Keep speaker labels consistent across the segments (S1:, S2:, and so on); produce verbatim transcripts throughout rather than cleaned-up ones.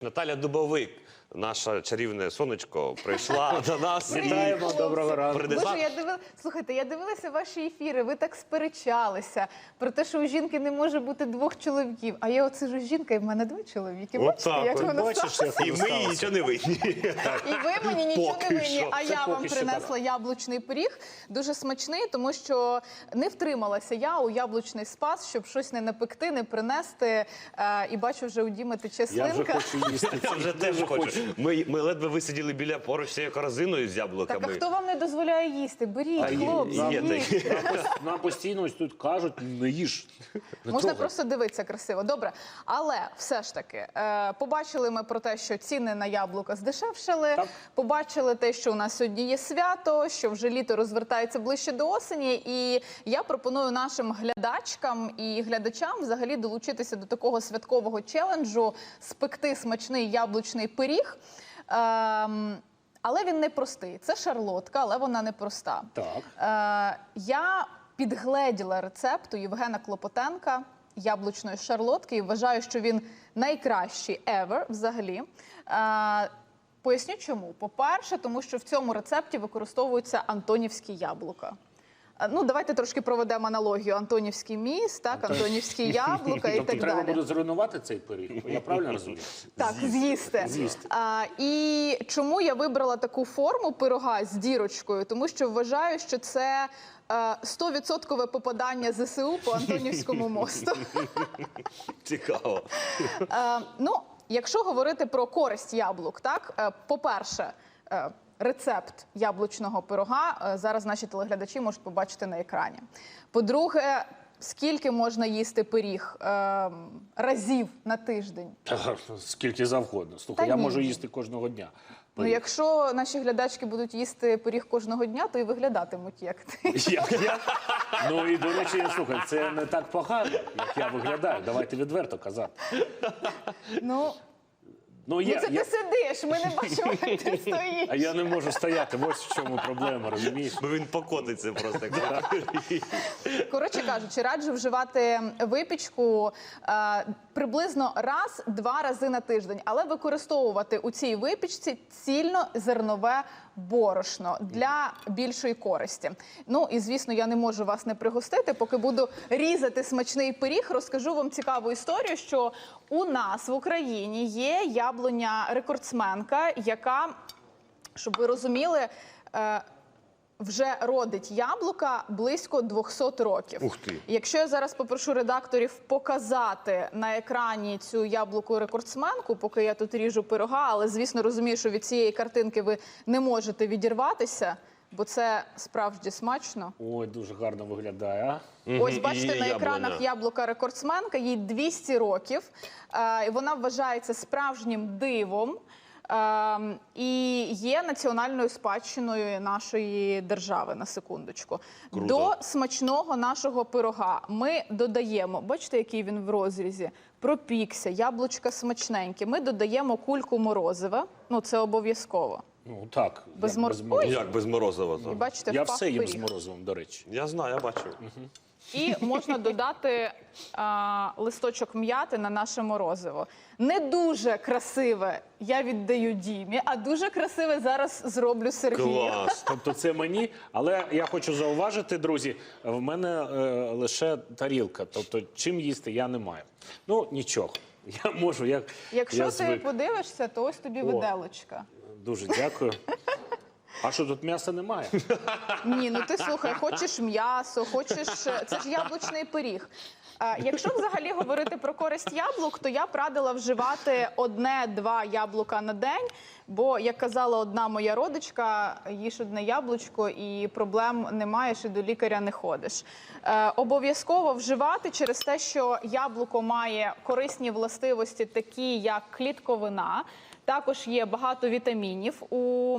S1: Наталя Дубовик, наша чарівне сонечко, прийшла до нас.
S2: Вітаємо, доброго ранку.
S1: Принесла...
S3: Боже, я дивила... Слухайте, я дивилася ваші ефіри, ви так сперечалися про те, що у жінки не може бути двох чоловіків. А я оце ж жінка, і в мене два чоловіки.
S1: От
S3: Бачите,
S1: так,
S3: як
S1: от
S3: воно
S2: бачиш,
S3: сталося?
S2: як
S1: І ми їй нічого не винні.
S3: І ви мені нічого
S1: Поки
S3: не винні,
S1: що.
S3: а
S2: Це
S3: я вам
S2: поки що
S3: принесла яблучний пиріг. Дуже смачний, тому що не втрималася я у яблучний спас, щоб щось не напекти, не принести. Е, і бачу, вже у Діми тече
S2: Я вже
S3: слинка.
S2: хочу їсти.
S1: Я вже теж хочу. Ми, ми ледве висиділи біля поруч цією корзиною з яблуками.
S3: Так, а хто вам не дозволяє їсти? Беріть,
S1: А є-
S3: хлопці,
S1: є
S3: їдьте.
S1: такі.
S2: Нам пос- Нам постійно ось тут кажуть, не їж. Не
S3: Можна
S2: трогай.
S3: просто дивитися красиво. Добре, але все ж таки, е, побачили ми про те, що ціни на яблука здешевшали,
S2: Так.
S3: побачили те, що у нас сьогодні є свято, що вже літо розвертається ближче до осені, і я пропоную нашим глядачкам і глядачам взагалі долучитися до такого святкового челенджу, спекти смачний яблучний пиріг. Ем, але він не простий. Це шарлотка, але вона не проста.
S2: Так.
S3: Е, я підгледіла рецепт у Євгена Клопотенка яблучної шарлотки і вважаю, що він найкращий ever взагалі. Е, поясню чому. По-перше, тому що в цьому рецепті використовуються антонівські яблука. Е, Ну, давайте трошки проведемо аналогію. Антонівський міст, так, антонівські яблука і
S2: Тобто
S3: так
S2: треба
S3: далі.
S2: буде зруйнувати цей пиріг? Я правильно розумію?
S3: Так, з'їсти.
S2: З'їсти.
S3: А, і чому я вибрала таку форму пирога з дірочкою? Тому що вважаю, що це сто відсотків попадання ЗСУ по Антонівському мосту.
S1: Цікаво.
S3: Е, ну, якщо говорити про користь яблук, так, е, по-перше, е, рецепт яблучного пирога е, зараз наші телеглядачі можуть побачити на екрані. По-друге, скільки можна їсти пиріг е, разів на тиждень?
S2: Та, скільки завгодно. Слухай,
S3: Та
S2: я
S3: ні.
S2: можу їсти кожного дня.
S3: Ну, якщо наші глядачки будуть їсти пиріг кожного дня, то і виглядатимуть як ти.
S2: Як я? Ну і, до речі, слухай, це не так погано, як я виглядаю. Давайте відверто казати.
S3: Ну,
S2: Ну,
S3: ну
S2: я,
S3: це
S2: я...
S3: ти сидиш, ми не бачимо, як ти стоїш.
S2: А я не можу стояти, ось в чому проблема, розумієш?
S1: Бо він покотиться просто.
S3: Коротше кажучи, раджу вживати випічку е, приблизно раз-два рази на тиждень, але використовувати у цій випічці цільнозернове борошно для більшої користі. Ну і, звісно, я не можу вас не пригостити. Поки буду різати смачний пиріг, розкажу вам цікаву історію, що у нас в Україні є яблуня-рекордсменка, яка, щоб ви розуміли, е, вже родить яблука близько двохсот років.
S1: Ух ти.
S3: Якщо я зараз попрошу редакторів показати на екрані цю яблуку-рекордсменку, поки я тут ріжу пирога, але, звісно, розумію, що від цієї картинки ви не можете відірватися, бо це справді смачно.
S2: Ой, дуже гарно виглядає, а?
S3: Ось бачите
S1: І
S3: на
S1: яблуня.
S3: екранах яблука-рекордсменка, їй двісті років, е, і вона вважається справжнім дивом. Ем, і є національною спадщиною нашої держави, на секундочку.
S1: Круто.
S3: До смачного нашого пирога ми додаємо, бачите, який він в розрізі, пропікся, яблучка смачненькі. Ми додаємо кульку морозива, ну це обов'язково.
S2: Ну так,
S3: Без
S2: як
S3: мор-
S2: без
S1: Ну,
S2: морозива.
S1: як без морозива?
S3: І
S1: то?
S3: бачите,
S2: Я
S3: впав
S2: все їм з
S3: пиріг.
S2: морозивом, до речі.
S1: Я знаю, я бачу.
S3: І можна додати а, листочок м'яти на наше морозиво. Не дуже красиве я віддаю Дімі, а дуже красиве зараз зроблю Сергію.
S1: Клас.
S2: Тобто це мені, але я хочу зауважити, друзі, в мене е, лише тарілка, тобто чим їсти я не маю. Ну, нічого, я можу, як
S3: Якщо
S2: я
S3: ти
S2: звик.
S3: подивишся, то ось тобі
S2: О.
S3: виделочка.
S2: Дуже дякую. А що, тут м'яса немає?
S3: Ні, ну ти слухай, хочеш м'ясо, хочеш... Це ж яблучний пиріг. А, якщо взагалі говорити про користь яблук, то я б радила вживати одне-два яблука на день, бо, як казала одна моя родичка, їж одне яблучко і проблем не маєш, і до лікаря не ходиш. Е, обов'язково вживати через те, що яблуко має корисні властивості, такі як клітковина, також є багато вітамінів у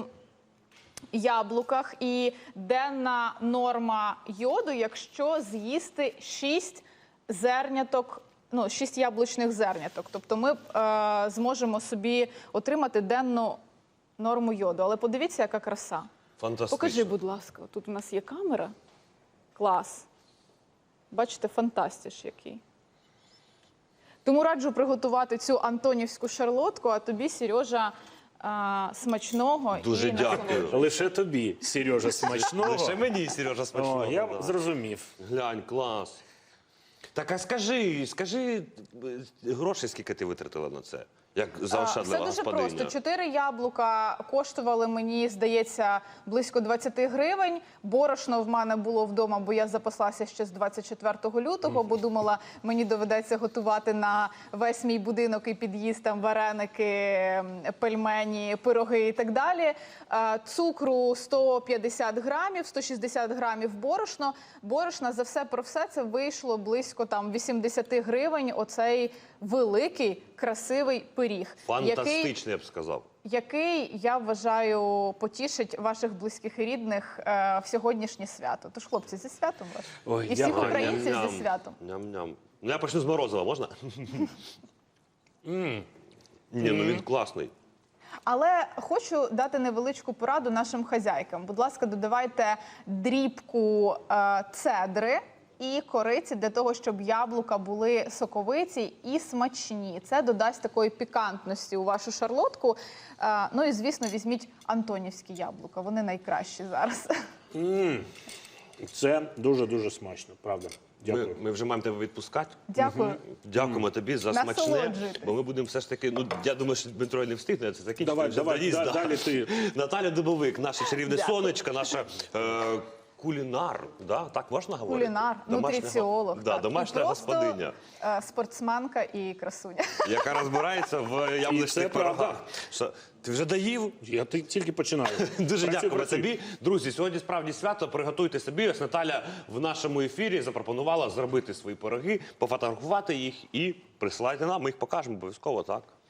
S3: яблуках і денна норма йоду, якщо з'їсти шість зерняток, ну, шість яблучних зерняток. Тобто ми е, зможемо собі отримати денну норму йоду. Але подивіться, яка краса.
S1: Фантастично.
S3: Покажи, будь ласка, тут у нас є камера. Клас. Бачите, фантастиш який. Тому раджу приготувати цю антонівську шарлотку, а тобі, Сережа, а, смачного
S1: Дуже
S3: і
S1: дякую.
S3: насолоди.
S2: Лише тобі, Сережа, смачного.
S1: Лише мені, Сережа, смачного.
S2: О, я
S1: да.
S2: зрозумів.
S1: Глянь, клас. Так, а скажи, скажи, е, грошей скільки ти витратила на це? Як
S3: А,
S1: заощадлива
S3: Все дуже
S1: господиня?
S3: просто. Чотири яблука коштували мені, здається, близько двадцять гривень. Борошно в мене було вдома, бо я запаслася ще з двадцять четвертого лютого, бо думала, мені доведеться готувати на весь мій будинок і під'їзд там вареники, пельмені, пироги і так далі. Е, Цукру сто п'ятдесят грамів, сто шістдесят грамів борошно. Борошна за все про все це вийшло близько там вісімдесят гривень. Оцей великий, красивий пиріг. Який,
S1: Фантастичний, я б сказав.
S3: який, я вважаю, потішить ваших близьких і рідних е, в сьогоднішнє свято. Тож, хлопці, зі святом вас.
S2: Ой,
S3: І всіх
S2: дякую.
S3: українців
S1: Ням-ням.
S3: зі святом.
S1: Ням-ням. Ну, я почну з морозива, можна? Ні, ну він класний.
S3: Але хочу дати невеличку пораду нашим хазяйкам. Будь ласка, додавайте дрібку е, цедри і кориці для того, щоб яблука були соковиті і смачні. Це додасть такої пікантності у вашу шарлотку. Е, ну і, звісно, візьміть антонівські яблука. Вони найкращі зараз.
S2: Це дуже-дуже смачно, правда.
S1: Ми,
S2: Дякую.
S1: ми вже маємо тебе відпускати.
S3: Дякую.
S1: Дякуємо тобі за смачне.
S3: Насолоджуйтесь.
S1: Бо ми будемо все ж таки, ну я думаю, що Дмитро не встигне це закінчити.
S2: Давай,
S1: вже
S2: давай,
S1: доїзд,
S2: да-
S1: да.
S2: далі ти.
S1: Наталя Дубовик, наша чарівне
S3: Дякую.
S1: сонечко, наша е, кулінар. Да? Так можна говорити?
S3: Кулінар,
S1: Домашня
S3: нутриціолог.
S1: го- Да,
S3: так. І
S1: домашня
S3: просто,
S1: господиня,
S3: е, спортсменка і красуня.
S1: яка розбирається в
S2: І це
S1: яблучних
S2: правда.
S1: пирогах. Що, ти вже доїв?
S2: Я ти- тільки починаю.
S1: Дуже
S2: Працюй,
S1: дякуємо
S2: працюй.
S1: тобі. Друзі, сьогодні справді свято. Приготуйте собі. Ось Наталя в нашому ефірі запропонувала зробити свої пироги, пофотографувати їх і присилайте нам. Ми їх покажемо обов'язково, так?